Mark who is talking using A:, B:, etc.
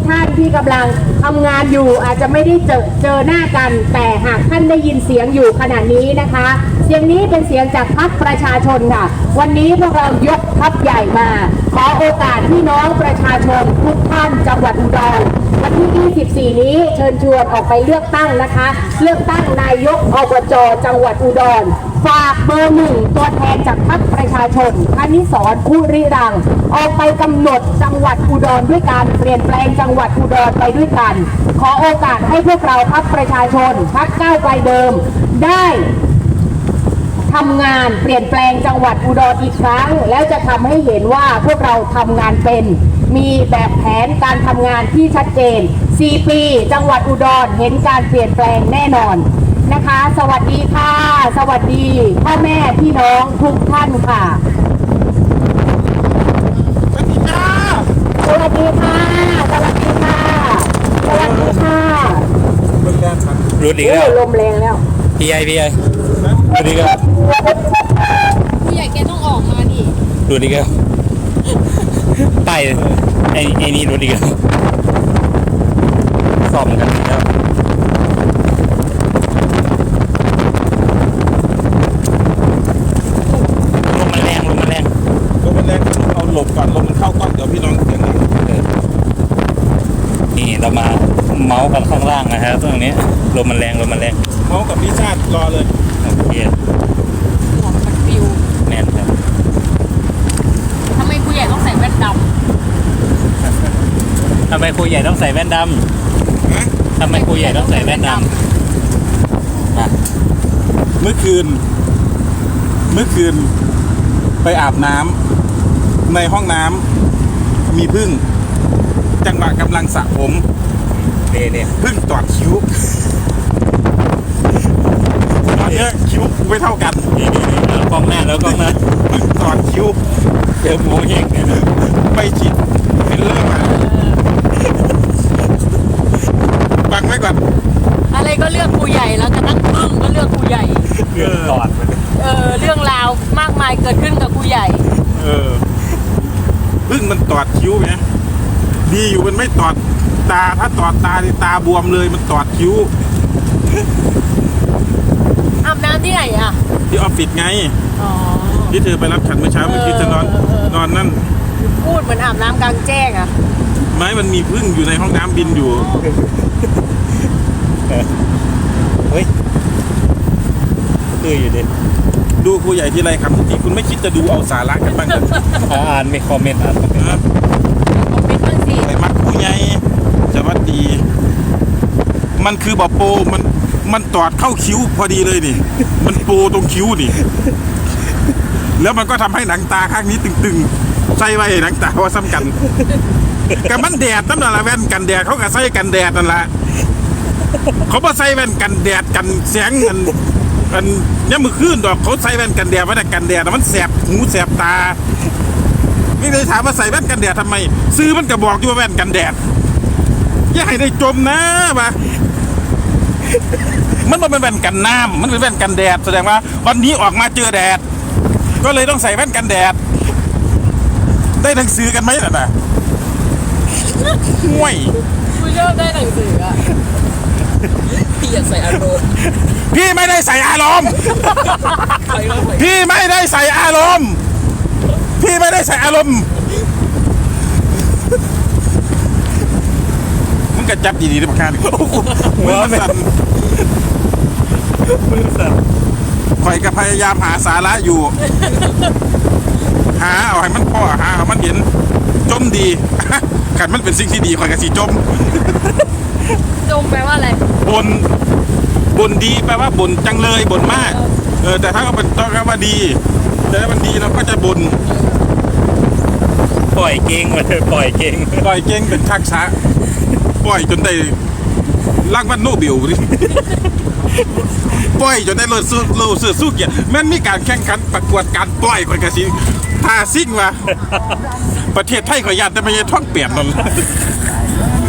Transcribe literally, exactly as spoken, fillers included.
A: ท่านที่กำลังทำงานอยู่อาจจะไม่ได้เจอเจอหน้ากันแต่หากท่านได้ยินเสียงอยู่ขณะนี้นะคะเสียงนี้เป็นเสียงจากพรรคประชาชนค่ะวันนี้พวกเรายกทัพใหญ่มาขอโอกาสพี่น้องประชาชนทุกท่านจังหวัดอุดรวันที่ยี่สิบสี่นี้เชิญชวนออกไปเลือกตั้งนะคะเลือกตั้งนายกอบจจังหวัดอุดรฝากเบอร์หนึ่งตัวแทนจากพรรคประชาชนคณิสรคุริรังออกไปกำหนดจังหวัดอุดรด้วยการเปลี่ยนแปลงจังหวัดอุดรไปด้วยกันขอโอกาสให้พวกเราพรรคประชาชนพรรคก้าวไกลเดิมได้ทำงานเปลี่ยนแปลงจังหวัดอุดรอีกครั้งแล้วจะทำให้เห็นว่าพวกเราทำงานเป็นมีแบบแผนการทำงานที่ชัดเจนสี่ปีจังหวัดอุดรเห็นการเปลี่ยนแปลงแน่นอนนะคะสวัสดีค่ะสวัสดีพ่อแม่พี่น้องทุกท่านค่ะสวัสดีค่ะสวัสดีค่ะสวัสดีค่ะสวัสดีค่ะ
B: รุดอีกแล้ว
A: ลมแรงแล้ว
B: พี่ใหญ่พี่ใหญ่รุดอีกแล้ว
C: พี่ใหญ่แกต้องออกมาดิ
B: รุดอีกแล้วไปไอ้ไอ้นี่รุดอีกแล้วซ่อมกันแล้วลมมันแรงลมมันแรง
D: ลมมันแรงเอาหลบก่อนลมมันเข้ากล้องเดี๋ยวพี่น้องเสียงดัง
B: นี่เรามาเมาส์กันข้างล่างนะฮะตรงนี้ลมมันแรงลมมันแรง
D: เมาส์กับพี่ชาติรอเลย
B: โอเค
C: หัวมันปิว
B: แน่นครับ
C: ทำไมครูใหญ่ต้องใส่แว่นด
B: ำทำไมครูใหญ่ต้องใส่แว่นดำทำไมครูใหญ่ต้องใส่แว่นดำ
D: เมื่อคืนเมื่อคืนไปอาบน้ำในห้องน้ำมีผึ้งจังหวะกำลังสระผม
B: เนี่ยเนี่ย
D: ผึ้งตอดคิ้วตอนนี้คิ้วไม่เท่ากัน
B: นี่นี่นี่กล้องหน้าแล้วกล้องหน้า
D: ผึ้งตอดคิ้ว
B: เดี๋ยวโมเองเนี่ย
D: ไปฉีดฟิลเลอร์มาฟังไว้ก่อน
C: อะไรก็เลือกครูใหญ่แล้วกระทั่งพึ่งก็เลือกครูใหญ่
B: เรื่องตอด
C: เออเรื่องราวมากมายเกิดขึ้นกับครูใหญ่
D: เออพึ่งมันตอดคิ้วไหมดีอยู่มันไม่ตอดตาถ้าตอดตาตาบวมเลยมันตอดคิ้ว
C: อาบน้ำที่ไหนอ่ะ
D: ที่ออฟฟิศไง
C: อ๋อ
D: ที่เธอไปรับฉันเมื่อเช้าเมื่อกี้จะนอนนอนนั่น
C: พูดเหมือนอาบน้ำกลางแจ้งอ่ะ
D: ไม่มันมีพึ่งอยู่ในห้องน้ำบินอยู่
B: เฮ้ยคืออยู่ดิ
D: ดูครูใหญ่ที่ไรครับที่คุณไม่คิดจะดูเอาสาระกันบ้างเลย
B: อ่านไม่คอมเมนต์อ่านคอมเมนต์
C: คอมเมนต์บ้างสิ
D: ไอ้มักครูใหญ่สวัสดีมันคือบอโปมันมันตอดเข้าคิ้วพอดีเลยนี่มันโปตรงคิ้วนี่แล้วมันก็ทำให้หนังตาข้างนี้ตึงๆใส่ไว้หนังตาว่าซ้ำกันกับมันแดดนั่นแหละแว่นกันแดดเขาก็ใส่กันแดดนั่นแหละเขาบ่ใส่แว่นกันแดดกันแสงกันกันเนี่ยมือขึ้นดอกเขาใส่แว่นกันแดดไว้แต่กันแดดมันแสบหูแสบตาไม่ได้ถามว่าใส่แว่นกันแดดทำไมซื้อมันก็บอกอยู่ว่าแว่นกันแดดอย่าให้ได้จมนะวะมันเป็นแว่นกันน้ำมันเป็นแว่นกันแดดแสดงว่าวันนี้ออกมาเจอแดดก็เลยต้องใส่แว่นกันแดดได้หนังสือกันไหมล่ะนะห่วย
C: คุณชอบได้หนังสืออ่ะพี่อยากใส่อารมณ์
D: พี่ไม่ได้ใส่อารมณ์พี่ไม่ได้ใส่อารมณ์พี่ไม่ได้ใส่อารมณ์มึงกระจับดีๆนะประการมือสั่น
B: มือสั่น
D: ข่อยก็พยายามหาสาระอยู่หาเอาให้มันพ่อหาเอามันเห็นจมดีขันมันเป็นสิ่งที่ดีข่อยก็สิจม
C: จมแปลว่าอะไร
D: บนบนดีแปลว่าบนจังเลยบนมากเออแต่ถ้าเขาเป็นต้องคำว่าดีแต่ถ้ามันดีเราก็จะบน
B: ปล่อยเก่งมาเลยปล่อยเก่ง
D: ปล่อยเก่งเป็นชักช้าปล่อยจนได้รางวัลโนเบลดิปล่อยจนได้โลสู้โลเสือสู้เกียรติแม้นมีการแข่งขันประกวดการปล่อยคนกระสิทาซิ่งมาประเทศไทยขอญาตแต่ไม่ใช่ท่องเปลี่ยนนั่น